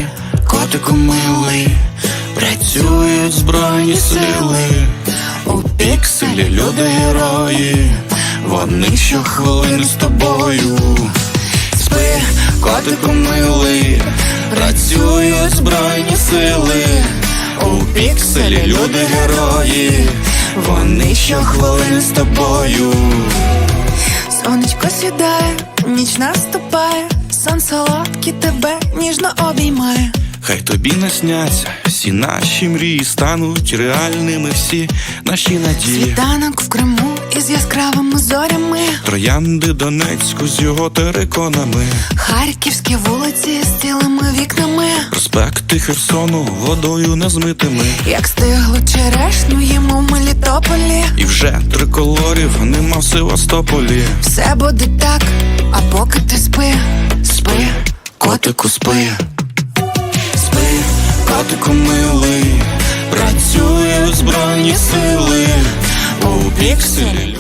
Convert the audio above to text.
котику милий, працюють збройні сили. У пікселі люди герої, вони щохвилини з тобою. Спи, котику милий, працюють збройні сили. У пікселі люди герої, вони щохвилини з тобою. Сонечко сідає, ніч наступає, сон солодкий тебе ніжно обіймає. Хай тобі насняться всі наші мрії, стануть реальними всі наші надії. Світанок в Криму із яскравими зорями, Троянди Донецьку з його териконами, харківські вулиці з цілими вікнами, проспекти Херсону водою незмитими. як стиглу черешню їмо в Мелітополі. І вже триколорів нема в Севастополі. Все буде так, а поки ти спи, спи, Котику спи, спи, котику милий, працюють збройні сили. У пікселі